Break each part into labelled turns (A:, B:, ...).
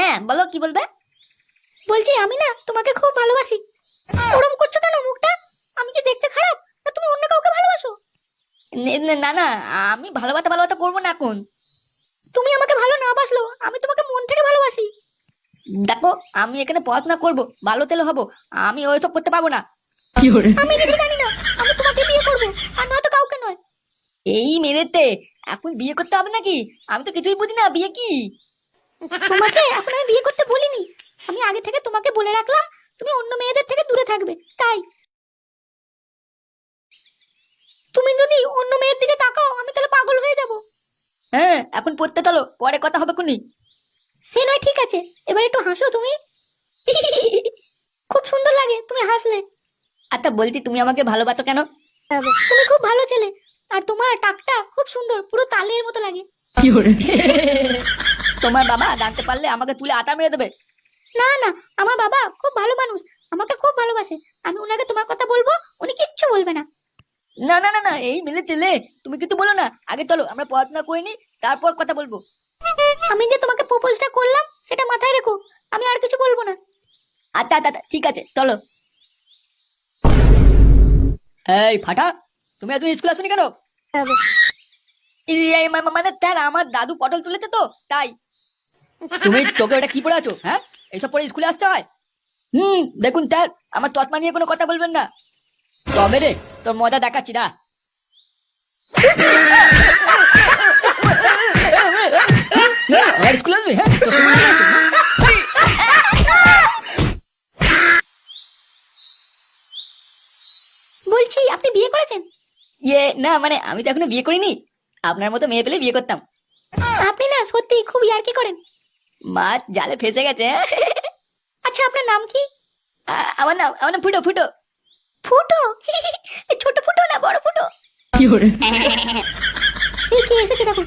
A: হ্যাঁ বলো, কি বলবে? বলছি আমি না তোমাকে খুব ভালোবাসি। ওরম করছো কেন মুখটা? আমি কি দেখতে খারাপ, না তুমি অন্য কাউকে ভালোবাসো? না না, আমি ভালোবাসা ভালোবাসা করবো না এখন। তুমি আমাকে ভালো না বাসলো, আমি তোমাকে মন থেকে ভালোবাসি। দেখো, আমি এখানে পড়াশোনা করব, ভালো তেলে হবো, আমি ওইসব করতে পারবো না। আমি কিছু জানি না, আমি তোমাকে বিয়ে করবো, আর নয়তো কাউকে নয়। এই মেরেতে এখন বিয়ে করতে হবে নাকি? আমি তো কিছুই বুঝি না, বিয়ে কি? তোমাকে এখন আমি বিয়ে করতে বলিনি, আমি আগে থেকে তোমাকে বলে রাখলাম তুমি অন্য মেয়েদের থেকে দূরে থাকবে, তাই। তুমি যদি অন্য মেয়ের দিকে তাকাও আমি তাহলে পাগল হয়ে যাব। হ্যাঁ, এখন পড়তে চলো, পরে কথা হবে কোনি। সে নয়, ঠিক আছে, এবার একটু হাসো তুমি। খুব সুন্দর লাগে তুমি হাসলে। আচ্ছা বলছি, তুমি আমাকে ভালোবাসো কেন? তুমি খুব ভালো ছেলে, আর তোমার টাকটা খুব সুন্দর, পুরো তালের মতো লাগে। তোমার বাবা জানতে পারলে আমাকে তুলে আটা মেরে দেবে। না না, আমার বাবা খুব ভালো মানুষ, আমাকে খুব ভালোবাসে, আমি ওনাকে তোমার কথা বলবো, উনি কিচ্ছু বলবে না। না না না না, এই মিলে ছেলে, তুমি কিন্তু বলো না, আগে চলো আমরা পড়াশোনা করে নি, তারপর কথা বলবো। আমি যে তোমাকে প্রপোজটা করলাম সেটা মাথায় রেখো, আমি আর কিছু বলবো না। আচ্ছা আচ্ছা আচ্ছা, ঠিক আছে চলো। এই ফাটা, তুমি এত স্কুল আসোনি কেন? মানে স্যার, আমার দাদু পটল তুলেছে তো তাই। তুমি চোখে ওটা কি পড়ে আছো? হ্যাঁ, এইসব পরে স্কুলে আসতে হয়? দেখুন স্যার, আমার চশমা নিয়ে কোনো কথা বলবেন না। তবে রে, তোর মজা দেখাচ্ছি না। আর স্কুলে আসবি? হ্যাঁ, তোর সঙ্গে আসবি। বলছি আপনি বিয়ে করেছেন? না, মানে আমি তো এখনো বিয়ে করিনি, আপনার মতো মেয়ে পেলে বিয়ে করতাম। আপনি না সত্যি খুব ইয়ার্কি করেন। মাছ জালে ফেসে গেছে। আচ্ছা আপনার নাম কি? আমার নাম ফুটো ফুটো। ফুটো? ছোট ফুটো না বড় ফুটো? কি করে? এই কে এসেছে দেখো।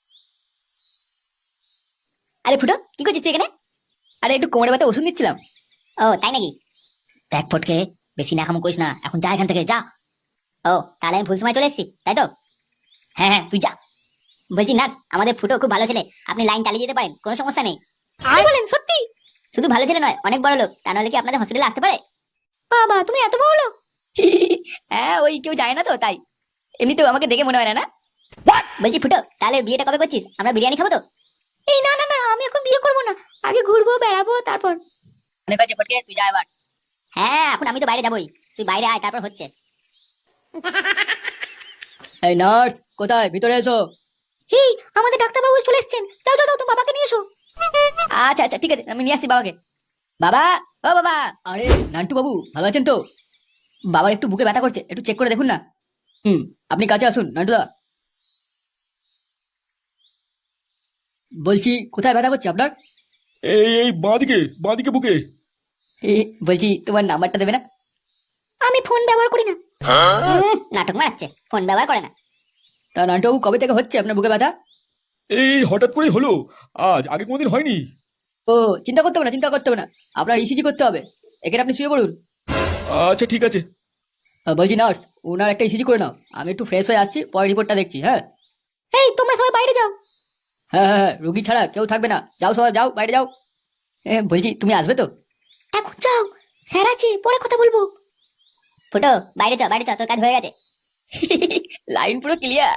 A: আরে ফুটো, কি করছিস তুই এখানে? আরে একটু কোমরে ব্যথা ওষুধ নিচ্ছিলাম। ও তাই নাকি? দেখ ফটকে, বেশি নাকাম করিস না, এখন যা এখান থেকে যা। ও তাহলে আমি ভুল সময় চলে এসেছি, তাই তো? হ্যাঁ হ্যাঁ, তুই যা। বলছি নার্স, আমাদের ফুটো খুব ভালো ছেলে, আপনি লাইন চালিয়ে যেতে পারেন, কোনো সমস্যা নেই। কি বলেন সত্যি? শুধু ভালো ছেলে নয়, অনেক বড় লোক, তা নাহলে কি আপনাদের হসপিটালে আসতে পারে? বাবা তুমি এত বড় লোক? হ্যাঁ, ওই কেউ যায় না তো তাই, এমনিতেও আমাকে দেখে মনে হয় না। না বলছি ফুটো, তাহলে বিয়েটা কবে করছিস? আমরা বিরিয়ানি খাবো তো? এই না না না, আমি এখন বিয়ে করবো না, আগে ঘুরবো বেড়াবো তারপর। অনেক আছে ফটকে, তুই যা এবার। হ্যাঁ, এখন আমি তো বাইরে যাবোই, তুই বাইরে আয়, তারপর হচ্ছে। এই নার্স, কোথায়? ভিতরে এসো। এই আমাদের ডাক্তারবাবু চলে এসেছেন, যাও যাও যাও, তো বাবাকে নিয়ে এসো। আচ্ছা আচ্ছা, ঠিক আছে, আমি নিয়ে আসি বাবাকে। বাবা, ও বাবা। আরে নান্টু বাবু, ভালো আছেন তো? বাবার একটু বুকে ব্যথা করছে, একটু চেক করে দেখুন না। আপনি কাছে আসুন নান্টুদা। বলছি কোথায় ব্যথা করছে আপনার?
B: এই বাঁদিকে বাঁদিকে বুকে।
A: বলছি তোমার নাম্বারটা দেবে না? আমি ফোন ব্যবহার করি না। নাটক মারাচ্ছে, ফোন ব্যবহার করে না। তা নান্টু বাবু, কবে থেকে হচ্ছে আপনার বুকে ব্যথা?
B: এই হঠাৎ করেই হলো, আজ আগে কোনোদিন হয়নি।
A: ও, চিন্তা করতে হবে না, চিন্তা করতে হবে না, আপনার ইসিজি করতে হবে, এখানে আপনি শুয়ে পড়ুন।
B: আচ্ছা ঠিক আছে।
A: বলছি নার্স, ওনার একটা ইসিজি করে নাও, আমি একটু ফ্রেশ হয়ে আসছি, পরে রিপোর্টটা দেখছি। হ্যাঁ এই তোমরা সবাই বাইরে যাও। হ্যাঁ হ্যাঁ হ্যাঁ, রুগী ছাড়া কেউ থাকবে না, যাও সবাই যাও, বাইরে যাও। বলছি তুমি আসবে তো? এখন যাও, স্যার আছে, পরে কথা বলবো। ফুটো, বাইরে যাও বাইরে যাও, তোর কাজ হয়ে গেছে। লাইন পুরো ক্লিয়ার।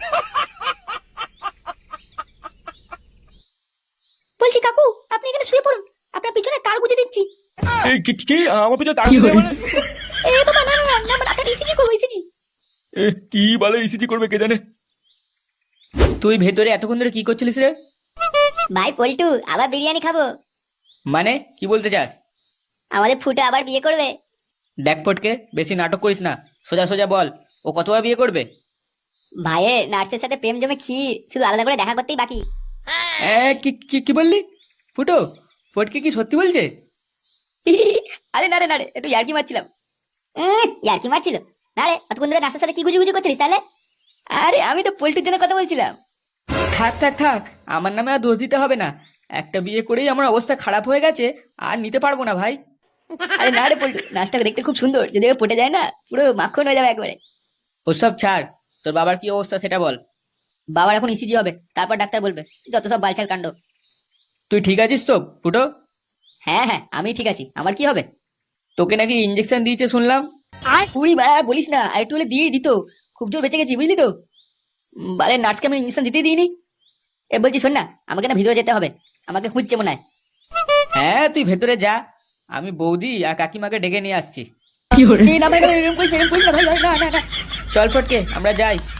A: বলছি কাকু, আপনি এখানে শুয়ে পড়ুন, আপনার পিছনে তার গুঁজে দিচ্ছি।
B: এই কি আমার পিছনে তাকিয়ে দেয় মানে?
A: এ বাবা, না না না না, মানে আপনার ইসিজি করবো, ইসিজি।
B: কি বলে ইসিজি করবে কে জানে।
A: তুই ভেতরে এতক্ষণ ধরে কি করছিলিস রে? ভাই পল্টু, আবার বিরিয়ানি খাবো।
C: মানে কি বলতে চাস?
A: আমাদের ফুটো আবার বিয়ে করবে।
C: দেখ ফটকে, বেশি নাটক করিস না, সোজা সোজা বল, ও কতবার বিয়ে করবে?
A: ভাইয়ের নার্সের সাথে প্রেম জমে ক্ষীর, শুধু আলাদা করে দেখা করতেই বাকি।
C: কি কি কি বললি? ফুটো, ফটকে কি সত্যি বলছে?
A: আরে না রে না রে, একটু ইয়ার্কি মারছিলাম। ইয়ার্কি মারছিল? না রে, অতক্ষণ ধরে নার্সের সাথে কি গুজুগুজু করছিলিস তাহলে? আরে আমি তো পল্টুর জন্য কথা বলছিলাম।
C: থাক থাক থাক, আমার নামে আর দোষ দিতে হবে না, একটা বিয়ে করেই আমার অবস্থা খারাপ হয়ে গেছে, আর নিতে পারবো না ভাই।
A: আরে না রে পল্টু, নাচটাকে দেখতে খুব সুন্দর, যদি ও পটে যায় না পুরো মাখন হয়ে যাবে একবারে।
C: ওসব ছাড়, তোর বাবার কি অবস্থা সেটা বল।
A: বাবার এখন ইসিজি হবে, তারপর ডাক্তার বলবে, যত সব বালছাল কাণ্ড।
C: তুই ঠিক আছিস তো ফুটো?
A: হ্যাঁ হ্যাঁ, আমি ঠিক আছি। আমার কি হবে?
C: তোকে নাকি ইঞ্জেকশন দিয়েছে শুনলাম।
A: পুরি বা বলিস না, আর একটু হলে দিয়ে দিত। খুব জোর বেঁচে গেছি, বুঝলি তো। বারে নার্সকে আমি ইঞ্জেকশন দিতেই দিইনি। এ বলছি শোন না, আমাকে না ভিতরে যেতে হবে। আমাকে খুঁজছে মনে হয়।
C: হ্যাঁ তুই ভেতরে যা, আমি বৌদি আর কাকিমাকে ডেকে নিয়ে আসছি।
A: না ভাই, এরকম করিস না, এরকম করিস না ভাই, ভাই, না না না।
C: চল ফটকে আমরা যাই।